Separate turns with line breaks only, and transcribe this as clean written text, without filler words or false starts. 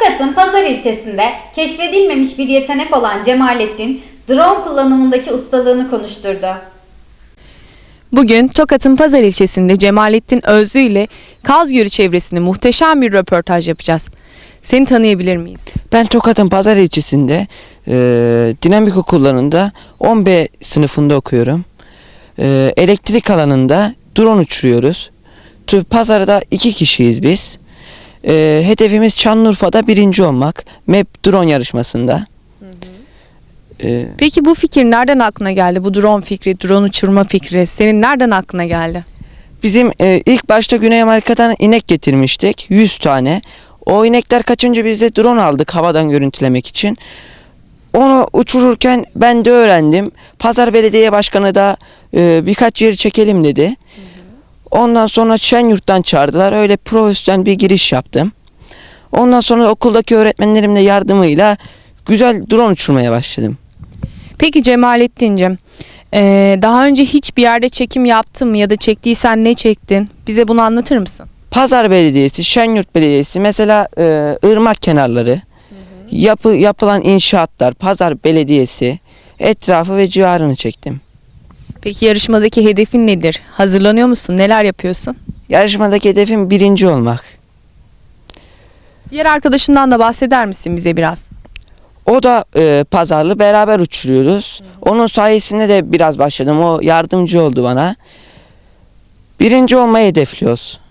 Tokat'ın Pazar ilçesinde keşfedilmemiş bir yetenek olan Cemalettin, drone kullanımındaki ustalığını konuşturdu.
Bugün Tokat'ın Pazar ilçesinde Cemalettin Özlü ile Kaz Gölü çevresinde muhteşem bir röportaj yapacağız. Seni tanıyabilir miyiz?
Ben Tokat'ın Pazar ilçesinde dinamik okullarında 10B sınıfında okuyorum. Elektrik alanında drone uçuruyoruz. Pazarda 2 kişiyiz biz. Hedefimiz Şanlıurfa'da 1. olmak. MEP drone yarışmasında.
Peki bu fikir nereden aklına geldi? Bu drone fikri, drone uçurma fikri senin nereden aklına geldi?
Bizim ilk başta Güney Amerika'dan inek getirmiştik. 100 tane. O inekler kaçınca biz de drone aldık havadan görüntülemek için. Onu uçururken ben de öğrendim. Pazar Belediye Başkanı da birkaç yeri çekelim dedi. Ondan sonra Şenyurt'tan çağırdılar. Öyle profesyonel bir giriş yaptım. Ondan sonra okuldaki öğretmenlerimle yardımıyla güzel drone uçurmaya başladım.
Peki Cemalettin'cim, daha önce hiçbir yerde çekim yaptın mı ya da çektiysen ne çektin? Bize bunu anlatır mısın?
Pazar Belediyesi, Şenyurt Belediyesi, mesela ırmak kenarları, yapılan inşaatlar, Pazar Belediyesi, etrafı ve civarını çektim.
Peki yarışmadaki hedefin nedir? Hazırlanıyor musun? Neler yapıyorsun?
Yarışmadaki hedefim 1. olmak.
Diğer arkadaşından da bahseder misin bize biraz?
O da pazarlı, beraber uçuruyoruz. Onun sayesinde de biraz başladım. O yardımcı oldu bana. 1. olmayı hedefliyoruz.